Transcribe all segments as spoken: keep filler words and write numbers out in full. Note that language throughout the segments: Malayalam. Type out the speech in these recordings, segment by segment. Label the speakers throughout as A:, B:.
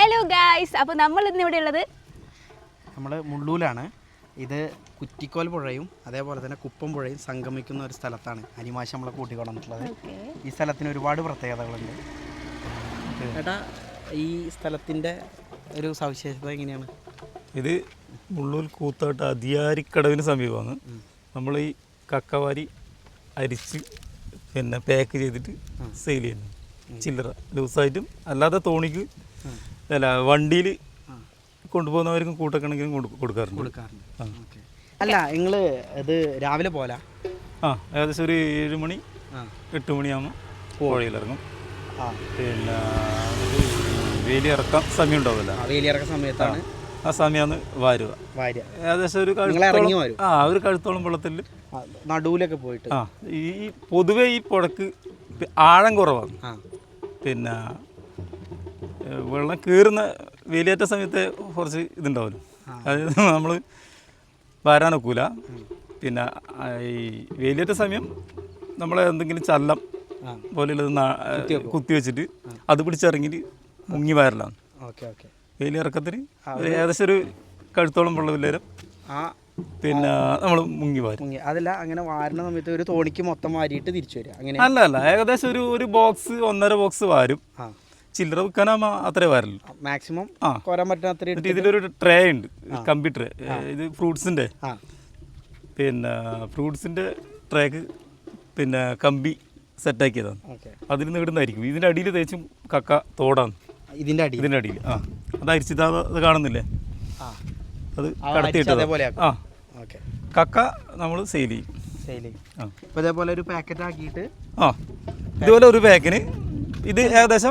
A: ഹലോ ഗായ്സ്, അപ്പോൾ നമ്മൾ ഇന്ന് ഇവിടെ ഉള്ളത്
B: നമ്മൾ മുള്ളൂലാണ്. ഇത് കുറ്റിക്കോൽ പുഴയും അതേപോലെ തന്നെ കുപ്പം പുഴയും സംഗമിക്കുന്ന ഒരു സ്ഥലത്താണ് അനിമാശ നമ്മളെ കൂട്ടിക്കൊണ്ടിട്ടുള്ളത്. ഈ സ്ഥലത്തിന് ഒരുപാട് പ്രത്യേകതകളുണ്ട്. ഏട്ടാ, ഈ സ്ഥലത്തിൻ്റെ ഒരു സവിശേഷത എങ്ങനെയാണ്?
C: ഇത് മുള്ളൂർ കൂത്താട്ട് അതിയാരിക്കടവിന് സമീപമാണ്. നമ്മൾ ഈ കക്കവാരി അരിച്ച് പിന്നെ പാക്ക് ചെയ്തിട്ട് സെയിൽ ചെയ്യുന്നു. ചില്ലറ ലൂസായിട്ടും അല്ലാതെ തോണിക്ക് അല്ല വണ്ടിയിൽ കൊണ്ടുപോകുന്നവർക്കും കൂട്ടക്കണക്കിനും കൊടുക്കാറുണ്ട്
B: കൊടുക്കാറുണ്ട് അല്ല, നിങ്ങൾ ഇത് രാവിലെ പോലെ
C: ആ ഏകദേശം ഒരു ഏഴ് മണി എട്ട് മണിയാകുമ്പോൾ പുഴയിലിറങ്ങും. പിന്നെ വേലി ഇറക്കാൻ സമയം ഉണ്ടാവില്ല.
B: വേലി ഇറക്കുന്ന സമയത്താണ്
C: ആ സമയമാണ് വാരുക. ഏകദേശം ഒരു ആ ഒരു കഴുത്തോളം വെള്ളത്തിൽ
B: നടുവിലൊക്കെ പോയിട്ട്.
C: ആ ഈ പൊതുവെ ഈ പുഴക്ക് ആഴം കുറവാണ്. പിന്നെ വെള്ളം കയറുന്ന വേലിയേറ്റ സമയത്ത് കുറച്ച് ഇതുണ്ടാവുമല്ലോ, അതായത് നമ്മൾ വരാനൊക്കൂല. പിന്നെ ഈ വേലിയേറ്റ സമയം നമ്മൾ എന്തെങ്കിലും ചല്ലം പോലെയുള്ളത് കുത്തി വെച്ചിട്ട് അത് പിടിച്ചിറങ്ങിയിട്ട് മുങ്ങി വരലാണ്. വേലി ഇറക്കത്തിന് ഏകദേശം ഒരു കഴുത്തോളം വെള്ളം നേരം പിന്നെ നമ്മൾ മുങ്ങി വാരും.
B: അതല്ല, അങ്ങനെ വാരുന്ന സമയത്ത് ഒരു തോണിക്ക് മൊത്തം വാരിയിട്ട് തിരിച്ചു വരിക അങ്ങനെ?
C: അല്ല അല്ല, ഏകദേശം ഒരു ഒരു ബോക്സ് ഒന്നര ബോക്സ് വാരും. ചില്ലറ വിൽക്കാനാകുമ്പോൾ അത്രേ വരല്ലോ
B: മാക്സിമം കോരാൻ പറ്റുന്ന അത്ര.
C: ഇതിലൊരു ട്രേ ഉണ്ട്, കമ്പി ട്രേ. ഇത് ഫ്രൂട്ട്സിൻ്റെ പിന്നെ ഫ്രൂട്ട്സിൻ്റെ ട്രേക്ക് പിന്നെ കമ്പി സെറ്റാക്കിയതാണ്. അതിൽ നിന്ന് ഇടുന്നതായിരിക്കും. ഇതിൻ്റെ അടിയിൽ തേച്ചും കക്ക തോടാണ്. ഇതിൻ്റെ അടി ഇതിൻ്റെ അടിയിൽ ആ അത് അരിച്ചിട്ട് അത് കാണുന്നില്ലേ, അത് കടത്തിയിട്ടത്. ആ കക്ക നമ്മൾ സെയിൽ ചെയ്യും.
B: സെയിൽ ചെയ്യും. ആ ഇപ്പോൾ ഇതേപോലെ ഒരു പാക്കറ്റ് ആക്കിയിട്ട്
C: ആ ഇതുപോലെ ഒരു പാക്കിന് ഇത് ഏകദേശം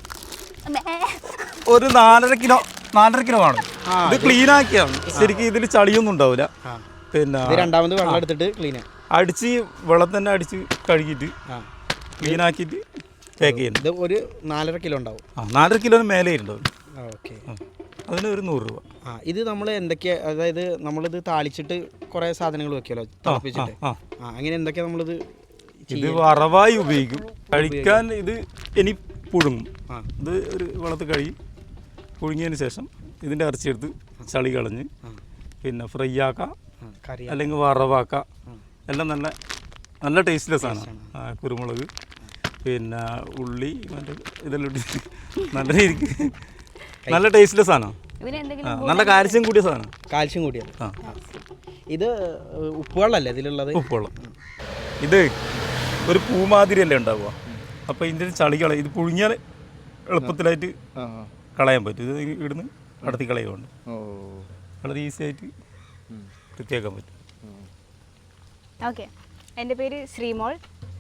C: ഒരു നാലര കിലോ നാലര കിലോ ആണ്. ഇത് ക്ലീൻ ആക്കിയാണ്. ശരിക്കും ഇതിൽ ചളിയൊന്നും ഉണ്ടാവില്ല. പിന്നെ
B: രണ്ടാമത് വെള്ളം എടുത്തിട്ട് ക്ലീൻ
C: അടിച്ച് വെള്ളം തന്നെ അടിച്ച് കഴുകിയിട്ട് ക്ലീൻ ആക്കിയിട്ട് പാക്ക് ചെയ്യുന്നത്.
B: ഒരു നാലര കിലോ ഉണ്ടാവും.
C: ആ നാലര കിലോന് മേലെ ഉണ്ടാവും.
B: ഓക്കെ,
C: അതിന് ഒരു നൂറ് രൂപ.
B: ആ ഇത് നമ്മൾ എന്തൊക്കെയാ, അതായത് നമ്മളിത് താളിച്ചിട്ട് കുറേ സാധനങ്ങൾ വെക്കുമല്ലോ തിളപ്പിച്ചിട്ട്. ആ അങ്ങനെ എന്തൊക്കെയാ നമ്മളിത്?
C: ഇത് വറവായി ഉപയോഗിക്കും. കഴിക്കാൻ ഇത് ഇനി പുഴുങ്ങും. ഇത് ഒരു വെള്ളത്തിൽ കഴുകി പുഴുങ്ങിയതിന് ശേഷം ഇതിൻ്റെ ഇറച്ചിയെടുത്ത് ചളി കളഞ്ഞ് പിന്നെ ഫ്രൈ ആക്കാം, അല്ലെങ്കിൽ വറവാക്കാം. എല്ലാം നല്ല നല്ല ടേസ്റ്റ്ലെസ് ആണ്. കുരുമുളക് പിന്നെ ഉള്ളി മറ്റേ ഇതെല്ലാം ഇട്ടിട്ട് നല്ല രീതിക്ക് നല്ല ടേസ്റ്റ്ലെസ് ആണ്. നല്ല കാൽസ്യം കൂടിയ സാധനം.
B: കാൽസ്യം കൂടിയത്. ആ ഇത് ഉപ്പുവെള്ളമല്ലേ ഇതിലുള്ളത്?
C: ഉപ്പുവെള്ളം. ഇത് ഒരു പൂമാതിരിയല്ലേ ഉണ്ടാവുക. അപ്പോൾ ഇതിൻ്റെ ചളി കളയും. ഇത് പുഴുങ്ങിയാൽ എളുപ്പത്തിലായിട്ട് കളയാൻ പറ്റും. ഇത് ഇവിടുന്ന് കടത്തി കളയുകൊണ്ട് വളരെ ഈസി ആയിട്ട് വൃത്തിയാക്കാൻ പറ്റും.
A: ഓക്കെ, എൻ്റെ പേര് ശ്രീമോൾ.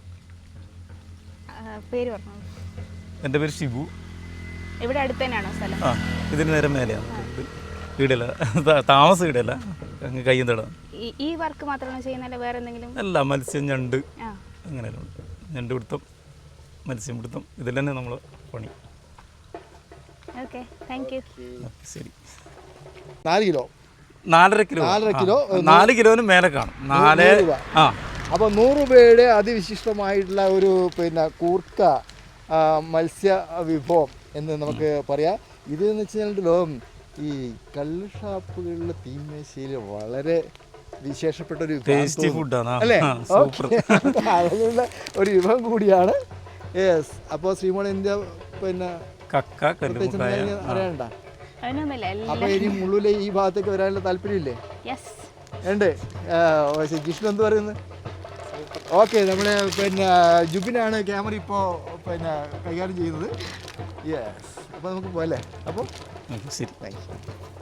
A: പേര് പറഞ്ഞു.
C: എൻ്റെ പേര് ഷിബു.
A: ഇവിടെ അടുത്ത് തന്നെയാണോ സ്ഥലം?
C: ആ ഇതിന് നേരം മേലെയാണ്. വീടല്ല, താമസം വീടല്ല, അങ്ങ് കയ്യും തടാം.
A: ഈ വർക്ക് മാത്രമാണോ ചെയ്യുന്നത്, വേറെ എന്തെങ്കിലും?
C: അല്ല, മത്സ്യം, ഞണ്ട് അങ്ങനെയെല്ലാം ഉണ്ട്. ഞണ്ട് പിടുത്തം, മത്സ്യം പിടുത്തം, ഇതിൽ തന്നെ നമ്മൾ പണി.
A: Okay, thank you.
C: ശരി.
D: നാല് കിലോ
C: നാലര കിലോ
D: നാലര കിലോ
C: നാല് കിലോന് മേലെ കാണും. നാല് ആ
D: അപ്പോൾ നൂറ് രൂപയുടെ അതിവിശിഷ്ടമായിട്ടുള്ള ഒരു പിന്നെ കൂർക്ക മത്സ്യ വിഭവം എന്ന് നമുക്ക് പറയാം. ഇതെന്ന് വെച്ച് കഴിഞ്ഞാൽ ഈ കള്ള് ഷാപ്പുകളിലെ തീമേശയിൽ വളരെ വിശേഷപ്പെട്ട ഒരു
C: ടേസ്റ്റി ഫുഡാണ്
D: അല്ലേ? അതിലുള്ള ഒരു വിഭവം കൂടിയാണ്. യെസ്. അപ്പോൾ ശ്രീമോൾ ഇന്ത്യ പിന്നെ
C: കക്ക
D: അറിയണ്ട. അപ്പോൾ ഇനി മുള്ളിലെ ഈ ഭാഗത്തേക്ക് വരാനുള്ള താല്പര്യമില്ലേ? ഉണ്ട്. ജിഷ്ണു എന്ത് പറയുന്നത്? ഓക്കെ, നമ്മുടെ പിന്നെ ജുബിനാണ് ക്യാമറ ഇപ്പോൾ പിന്നെ കൈകാര്യം ചെയ്യുന്നത്. യെസ്. അപ്പോൾ നമുക്ക് പോകല്ലേ? അപ്പോൾ
C: ശരി, താങ്ക് യു.